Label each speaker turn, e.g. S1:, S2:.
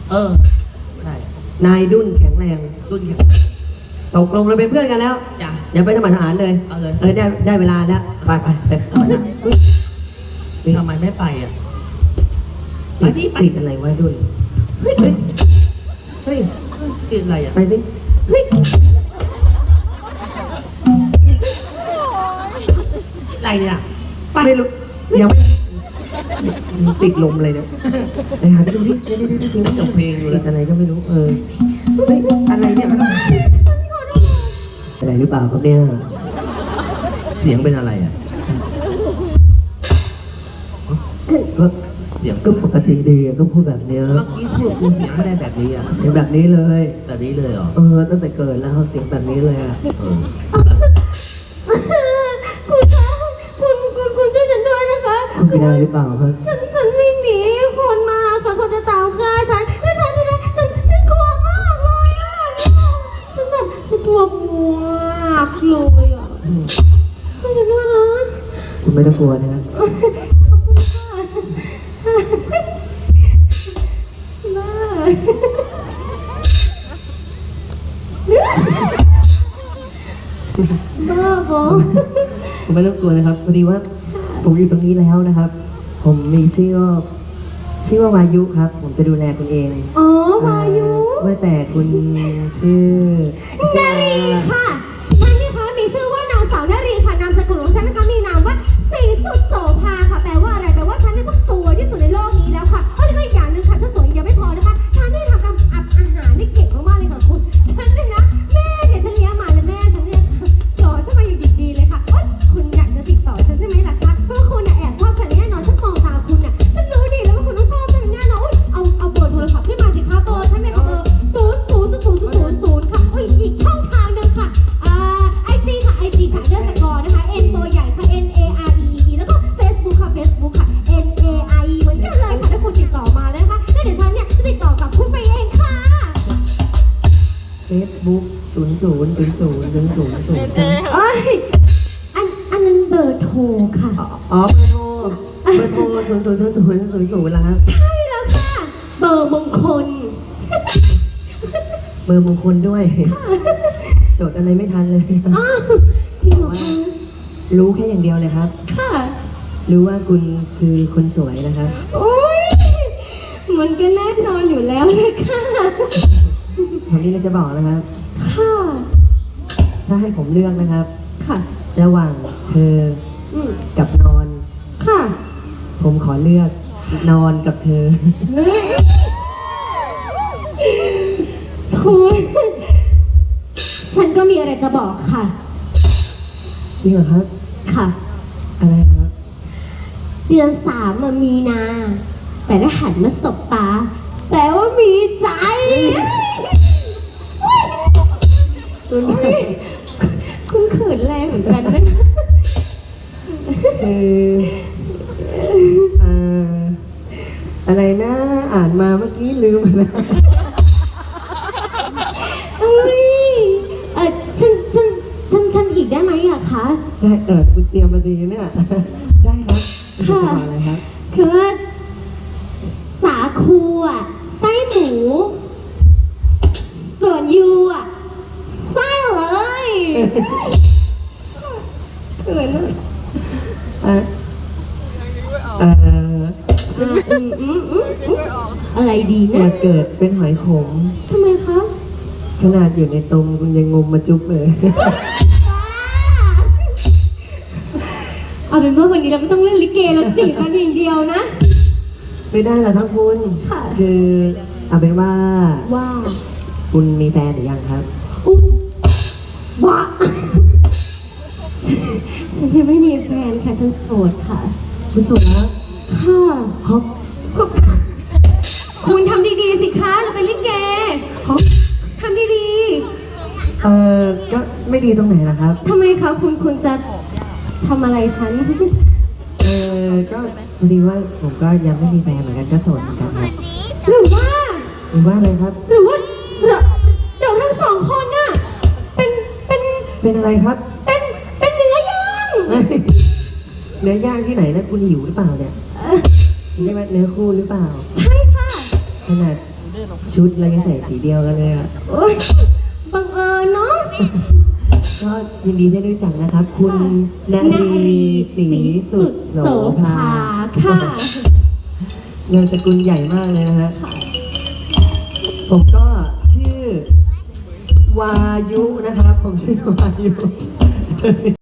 S1: ใช่
S2: นายดุ้นแข็งแรง
S1: รุ่นแข็ง
S2: ตกลงเราเป็นเพื่อนกันแล้ว
S1: จ้ะ
S2: อย่าไปสมัครทหารเลย
S1: เอาเลย
S2: ได้เวลาแล้วไปสมัครทหาร
S1: ทำไมไม่ไปอ่ะไปที่ไป
S2: ติดอะไรวะดุ้นเฮ้ยเฮ้ย
S1: ติดอะไรอ่ะ
S2: ไปสิเฮ้ย
S1: อะไรเนี่ย
S2: ไม่รู้ยังไม่ติดลมเลยเนี่ยไปหาไปดูดิเดี๋ยว
S1: จบเพลงอยู่
S2: ติ
S1: แล้
S2: ด
S1: ว
S2: อะไรก็ไม่รู้เฮ้ยอะไรเนี่ยอะไรหรือเปล่าครับเนี่ย
S1: เสียงเป็นอะไรอ่ะ
S2: ก็
S1: เสียง
S2: ก็ปกติดีก็พูดแบบเนี้ย
S1: เมื่อกี้พูดกูเสียงไม่ได้แบบนี้อ่ะ
S2: เสียงแบบนี้เลย
S1: แบบนี้เลยเหรอ
S2: ตั้งแต่เกิดแล้วเสียงแบบนี้เลยอะ
S1: เออ
S3: คุณคะคุณช่วยฉันด้วยนะคะ
S2: คุณเป็นอะไรหรือเปล่าครับ
S3: ฉันวิ่งหนีคนมาค่ะคนจะตามฆ่าฉันแล้วฉันนี่นะฉันกลัวมากเลยอ่ะฉันกลัวมากเลยอ่ะช่วยฉันด้วยนะ
S2: คุณไม่ต้องกลัวนะครับ
S3: ขอบคุณค่ะบ้าบอ
S2: คุณไม่ต้องกลัวนะครับพอดีว่าผมอยู่ตรงนี้แล้วนะครับ ผมมีชื่อว่าวายุครับ ผมจะดูแลคุณเอง
S3: อ๋อวายุ
S2: ว่าแต่คุณชื่อ
S3: นารีค่ะฉันนี่คะมีชื่อว่านางสาวนารีค่ะนามสกุลของฉันนะคะมีนามว่าศรีสุดโสภาค่ะแปลว่าอะไรแปลว่าฉันเนี่ยต้องสวยที่สุดในโลกนี้แล้วค่ะแล้วก็อีกอย่างหนึ่งค่ะฉันสวยยังไม่พอนะคะฉันได้ทำการอัพอาหารได้เก่งมากๆเลยค่ะคุณฉันเนี่ยนะแม่เนี่ยฉันเลี้ยงมาเลยแม่ฉันเนี่ยสอนฉันมาอย่างดีๆเลยค่ะคุณอยากจะติดต่อฉันใช่ไหมล่ะคะเพราะคุณน่ะแอบชอบฉันแน่นอนฉันมองตาคุณน่ะฉันรู้ดีแล้วว่าคุณต้องชอบฉันแน่นอนเอาเบอร์โทรศัพท์ขึ้นมาสิคะเบอร์ฉันเนี่ยเบอร์000000ค่ะอีกช่องทางหนึ่งค่ะIG ค่ะ IG ค่ะ_นะคะ N ตัวใหญ่ค่ะ NAREE แล้วก็ Facebook ค่ะ Facebook ค่ะ NAIE เหมือนกันเลยค่ะถ้าคุณติดต่อมาแล้วนะคะแล้วเดี๋ยวฉันเนี่ยจะติดต่อกับคุณไปเองค่ะ
S2: Facebook 000000
S3: เอ้ยอันนั้นเบอร์โทรค่ะ
S2: อ๋อเบอร์โทร000000แล้วครับ
S3: ใช่แล้วค่ะ เบอร์มงคล
S2: เบอร์มงคลด้วยจดอะไรไม่ทันเลย
S3: อ้าวจริงเหรอคะ
S2: รู้แค่อย่างเดียวเลยครับ
S3: ค่ะ
S2: รู้ว่าคุณคือคนสวยนะครับ
S3: โอ้ยมันก็แน่นอนอยู่แล้วเลยค่ะ
S2: ผมนี่เราจะบอกนะครับ
S3: ค่ะ
S2: ถ้าให้ผมเลือกนะครับ
S3: ค่ะ
S2: ระหว่างเธอ
S3: อืม
S2: กับนอน
S3: ค่ะ
S2: ผมขอเลือกนอนกับเธอ
S3: คุณฉันก็มีอะไรจะบอกค่ะ
S2: จริงเหรอครับ
S3: ค่ะ
S2: อะไรครับ
S3: เดือน3มันมีนา แต่ถ้าหันมาสบตาแปลว่ามีใจ คุณเขินแรงเหมือนกันนะ
S2: คืออะไรนะอ่านมาเมื่อกี้ลืมไปแล้ว
S3: เอ้ยฉันอีกได้ไหมอะคะ
S2: ได้คุณเตรียมมาดีเนี่ย ได้ครับคุณจะบอกอะไรครับ
S3: คือว่าสาคูอะไส้หมู ส่วนยูอะไส้เลยเขินอะ
S2: อ่ะ
S3: อะไรดี
S2: อ
S3: นะ
S2: ยากเกิดเป็นหอยขม
S3: ทำไมคะ
S2: ขนาดอยู่ในตมคุณยังงมมาจุ๊บเลย
S3: เอาเป็นว่าวันนี้เราไม่ต้องเล่นลิเกเราจีบกันอย่างเดียวนะ
S2: ไม่ได้หรอกครับคุณ
S3: ค่ะ
S2: คือเอาเป็นว่า
S3: ว่า
S2: คุณมีแฟนหรือยังครับ
S3: อุ๊บบ้าฉันยังไม่มีแฟนค่ะ ฉันโสดค่ะ
S2: คุณโสดแล้ว
S3: ค่ะ
S2: ฮอป
S3: คุณทำดีๆสิคะ เราเป็นลิเก
S2: ฮอป
S3: ทำดี
S2: ก็ไม่ดีตรงไหนล่ะครับ
S3: ๆทำไมคะคุณจะทำอะไรฉัน
S2: ก็พอดีว่าผมก็ยังไม่มีแฟนเหมือนกันก็โสดเหมือนกันครับ
S3: หรือว่า
S2: หรือว่าอะไรครับ
S3: หรือว่าเดี๋ยวทั้งสองคนน่ะเป็น
S2: เป็นอะไรครับ
S3: เป็นเนื้อย่าง
S2: เนื้อย่างที่ไหนนะคุณหิวหรือเปล่าเนี่ยนี่ว่าเนื้อคู่หรือเปล่า
S3: ใช่ค่ะ
S2: ขนาดชุดเรายังใส่สีเดียวกันเลยอ่ะ
S3: โอ๊ยบังเอิญเนาะ
S2: ก็ยินดีได้รู้จักนะครับ คุณณรีศรีสุดโสภา
S3: ค่ะ
S2: นามสกุลใหญ่มากเลยนะฮะผมก็ชื่อวายุนะครับ ผมชื่อวายุ